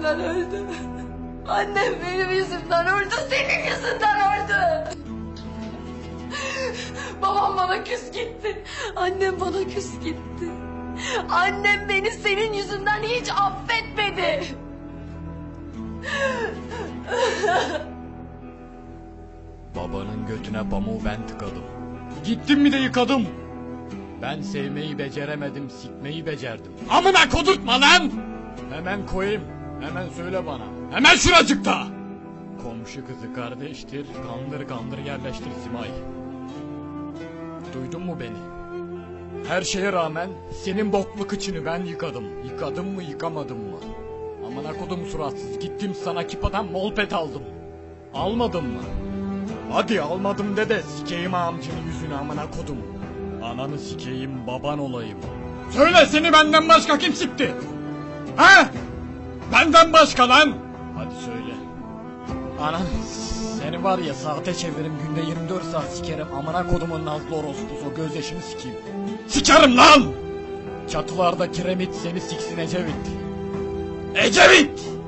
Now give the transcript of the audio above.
yüzümden öldü. Annem benim yüzümden öldü, senin yüzünden öldü. Babam bana küs gitti. Annem bana küs gitti. Annem beni senin yüzünden hiç affetmedi. Babanın götüne pamuğu ben tıkadım. Gittim mi de yıkadım. Ben sevmeyi beceremedim, sikmeyi becerdim. Amına kodurtma lan! Hemen koyayım, hemen söyle bana. Hemen şuracıkta! Komşu kızı kardeştir, kandır kandır yerleştir Simay. Duydun mu beni? Her şeye rağmen senin boklu kıçını ben yıkadım. Yıkadım mı yıkamadım mı? Amına kodum suratsız, gittim sana kipadan molpet aldım. Almadın mı? Hadi almadım de sikeyim amcının yüzünü amına kodum. Ananı sikeyim baban olayım. Söyle seni benden başka kim sikti? Ha? Benden başka lan. Hadi söyle. Anan seni var ya saate çeviririm günde 24 saat sikerim amına kodumun nazlı orospusu gözyaşını sikeyim. Sikerim lan! Çatılarda kiremit seni siksin Ecevit. Ecevit!